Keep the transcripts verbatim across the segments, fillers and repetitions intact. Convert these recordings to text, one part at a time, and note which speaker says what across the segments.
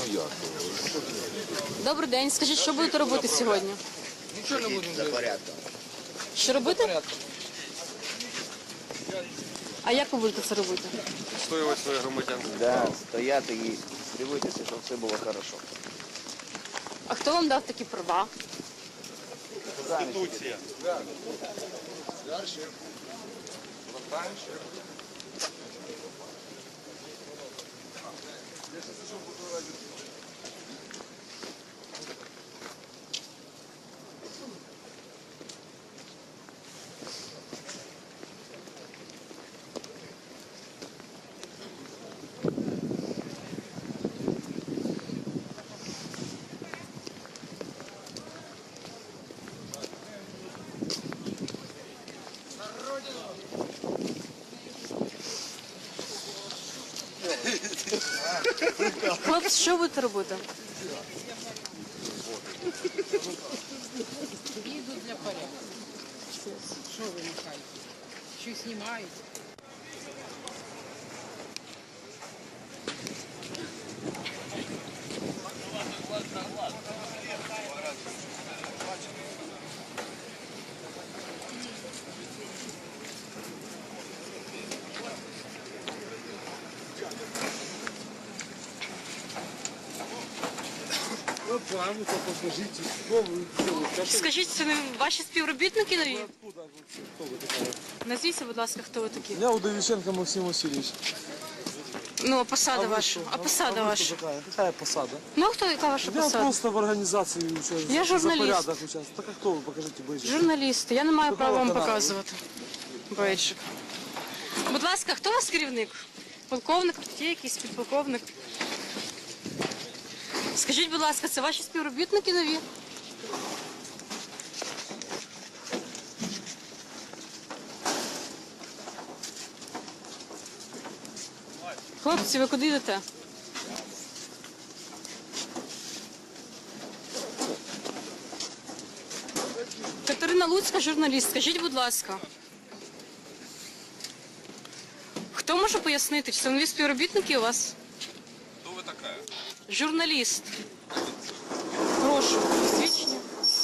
Speaker 1: як?
Speaker 2: Добрий день. Скажіть, що будете робити сьогодні?
Speaker 3: Нічого не будемо робити.
Speaker 2: Що робити? А як ви будете це робити?
Speaker 4: Відстоювати своїх громадян.
Speaker 3: Да, стояти і дивитися, щоб все було хорошо.
Speaker 2: А хто вам дав такі права?
Speaker 4: Конституція.
Speaker 2: Хлопці, що будете робити?
Speaker 5: Їдуть для порядку. Що ви махаєте? Що знімають?
Speaker 2: Скажіть, це не ваші співробітники нові? Назвіться, будь ласка, хто ви такі?
Speaker 6: Я Удовиченко Максим Васильевич.
Speaker 2: Ну, а посада ваша? А посада ваша?
Speaker 6: Какая? Какая посада?
Speaker 2: Ну, а хто, яка ваша
Speaker 6: Я
Speaker 2: посада?
Speaker 6: просто в организации участвую.
Speaker 2: Я журналист.
Speaker 6: За порядок участвую. Так а кто вы? Покажите бейджик.
Speaker 2: Журналісти. Я не маю
Speaker 6: Какого
Speaker 2: права вам
Speaker 6: каналу?
Speaker 2: показувати. Бейджик. Будь ласка, хто у вас керівник? Полковник? Є якийсь підполковник? Скажіть, будь ласка, це ваші співробітники нові? Хлопці, ви куди йдете? Катерина Луцька, журналіст. Скажіть, будь ласка. Хто може пояснити, чи це нові співробітники у вас?
Speaker 4: Хто ви така?
Speaker 2: Журналіст. Прошу, свідчення.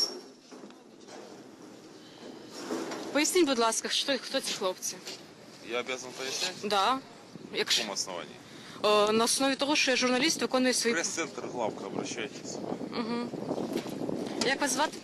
Speaker 2: Поясніть, будь ласка, що, хто ці хлопці?
Speaker 4: Я обязан пояснять?
Speaker 2: Да.
Speaker 4: На
Speaker 2: Якщо,
Speaker 4: каком основании?
Speaker 2: е, на основі того, що я журналіст, виконую свої...
Speaker 4: Пресс-центр главка, обращайтесь.
Speaker 2: Як вас звати?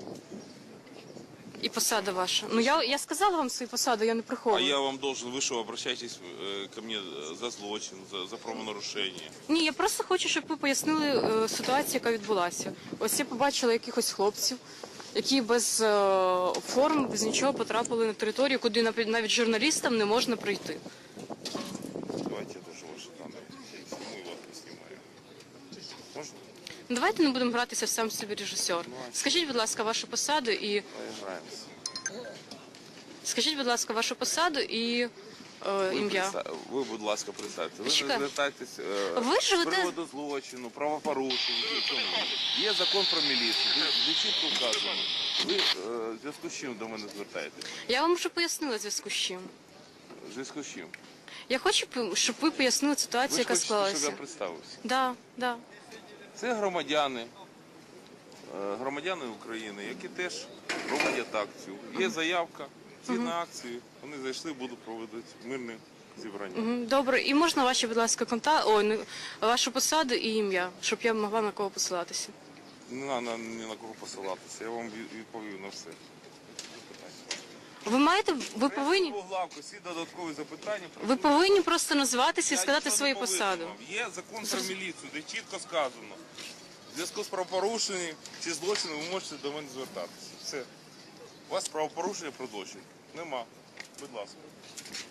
Speaker 2: І посада ваша. Ну, я, я сказала вам свою посаду, я не
Speaker 4: А
Speaker 2: приховую.
Speaker 4: я вам должен, вы что, обращайтесь э, ко мне э, за злочин, за, за правонарушение.
Speaker 2: Ні, я просто хочу, щоб ви пояснили е, ситуацію, яка відбулася. Ось я побачила якихось хлопців, які без е, форм, без нічого потрапили на територію, куди навіть навіть журналістам не можна прийти.
Speaker 4: Давайте я тоже ваши данные. Я их сниму и вас не снимаю. Можно?
Speaker 2: Ну, давайте не будемо гратися в сам собі режисер. Скажіть, будь ласка, вашу посаду і
Speaker 4: Поиграемся.
Speaker 2: скажіть, будь ласка, вашу посаду і е,
Speaker 4: Ви,
Speaker 2: ім'я.
Speaker 4: представ- ви, будь ласка, представте. Ви
Speaker 2: Чекай.
Speaker 4: не звертайтесь е,
Speaker 2: Ви
Speaker 4: з
Speaker 2: живете-
Speaker 4: приводу злочину, правопорушень. Чому? Є закон про міліцію, де, де чітко вказано. Ви е, в зв'язку з чим до мене звертаєтесь?
Speaker 2: Я вам вже пояснила в зв'язку з чим.
Speaker 4: В зв'язку з чим?
Speaker 2: Я хочу, щоб ви пояснили
Speaker 4: Ви
Speaker 2: ситуацію,
Speaker 4: ж
Speaker 2: яка
Speaker 4: хочете, щоб
Speaker 2: склалася.
Speaker 4: я представився?
Speaker 2: Да, да.
Speaker 4: Це громадяни, е, громадяни України, які теж проводять акцію. Є заявка, згідно акції, вони зайшли, будуть проводити мирне зібрання.
Speaker 2: Мгм, добре. І можна ваші, будь ласка, контакти, ой, не- вашу посаду і ім'я, щоб я могла на кого посилатися.
Speaker 4: Не треба ні на кого посилатися, я вам від- відповів на все.
Speaker 2: Ви маєте, ви повинні,
Speaker 4: Главку, всі додаткові запитання.
Speaker 2: ви повинні просто назватися і
Speaker 4: Я
Speaker 2: сказати
Speaker 4: нічого
Speaker 2: свою
Speaker 4: не повинен
Speaker 2: посаду.
Speaker 4: вам. Є закон про міліцію, де чітко сказано. В зв'язку з правопорушенням чи злочином ви можете до мене звертатися. Все. У вас правопорушення про злочин? Нема. Будь ласка.